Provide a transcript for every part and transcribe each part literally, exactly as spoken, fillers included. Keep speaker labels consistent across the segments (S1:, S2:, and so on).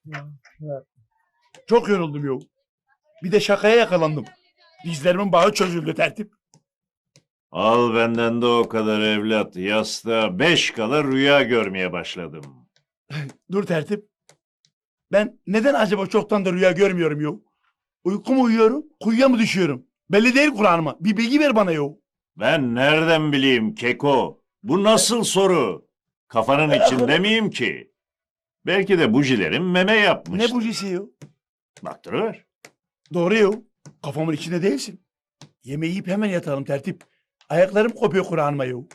S1: Çok yoruldum yok. Bir de şakaya yakalandım. Dizlerimin bağı çözüldü tertip.
S2: Al benden de o kadar evlat. Yastığa beş kala rüya görmeye başladım.
S1: Dur tertip. Ben neden acaba çoktan da rüya görmüyorum yok? Uyku mu uyuyorum, kuyuya mı düşüyorum? Belli değil Kur'an'ıma. Bir bilgi ver bana yok.
S2: Ben nereden bileyim Keko? Bu nasıl soru? Kafanın içinde miyim ki? Belki de bujilerin meme
S1: Ne
S2: yapmıştır.
S1: bujisi yok?
S2: Baktırıver.
S1: Doğru yok. Kafamın içinde değilsin. Yemeği yiyip hemen yatalım tertip. Ayaklarım kopuyor Kur'an'ıma yok.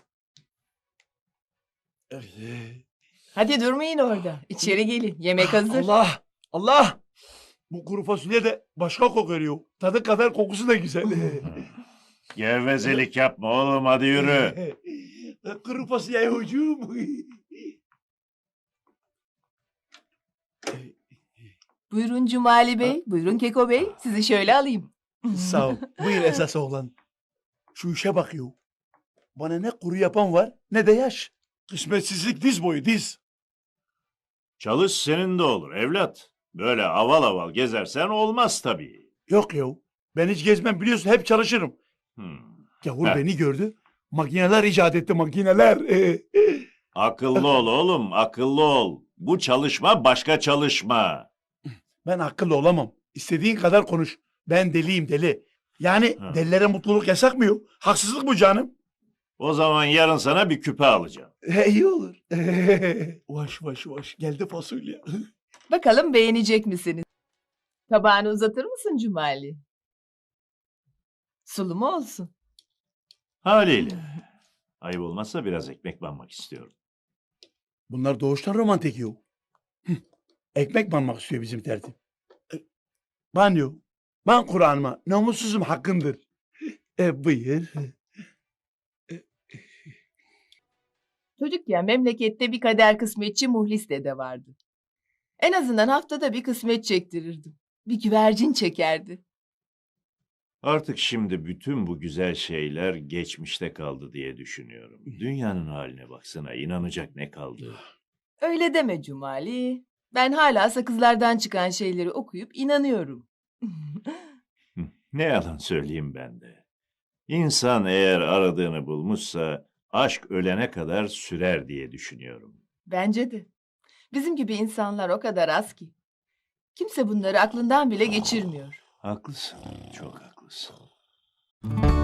S3: Hadi durmayın orada. İçeri gelin. Yemek hazır.
S1: Allah! Allah! Bu kuru fasulye de başka kokuyor yok. Tadı kadar kokusu da güzel.
S2: Gevezelik yapma oğlum, hadi yürü.
S1: Kuru fasulye hocam.
S3: Buyurun Cumali Bey. Buyurun Keko Bey. Sizi şöyle alayım.
S1: Sağ ol. Buyur esas oğlan. Şu işe bak yok. Bana ne kuru yapan var ne de yaş. Kısmetsizlik diz boyu diz.
S2: Çalış senin de olur evlat. Böyle aval aval gezersen olmaz tabii.
S1: Yok yok. Ben hiç gezmem biliyorsun hep çalışırım.
S2: Hmm.
S1: Gavur
S2: Heh.
S1: beni gördü. Makineler icat etti makineler.
S2: Akıllı ol oğlum, akıllı ol. Bu çalışma başka çalışma.
S1: Ben akıllı olamam. İstediğin kadar konuş. Ben deliyim deli. Yani
S2: Ha.
S1: delilere mutluluk yasak mı yok? Haksızlık bu canım.
S2: O zaman yarın sana bir küpe alacağım.
S1: He, iyi olur. Vaş vaş vaş. Geldi fasulye.
S3: Bakalım beğenecek misiniz? Tabağını uzatır mısın Cumali? Sulu mu olsun?
S2: Haliyle. Ayıp olmazsa biraz ekmek banmak istiyorum.
S1: Bunlar doğuştan romantik yok. Hıh. Ekmek banmak istiyor bizim tertip. E, Ben yok. Ben Kur'an'ıma namussuzum hakkındır. E, buyur.
S3: Çocukken memlekette bir kader kısmetçi Muhlis dede vardı. En azından haftada bir kısmet çektirirdim. Bir güvercin çekerdi.
S2: Artık şimdi bütün bu güzel şeyler geçmişte kaldı diye düşünüyorum. Dünyanın haline baksana, inanacak ne kaldı?
S3: Öyle deme Cumali. Ben hala sakızlardan çıkan şeyleri okuyup inanıyorum.
S2: Hı, ne yalan söyleyeyim ben de. İnsan eğer aradığını bulmuşsa aşk ölene kadar sürer diye düşünüyorum.
S3: Bence de. Bizim gibi insanlar o kadar az ki. Kimse bunları aklından bile geçirmiyor.
S2: Haklısın, çok haklısın.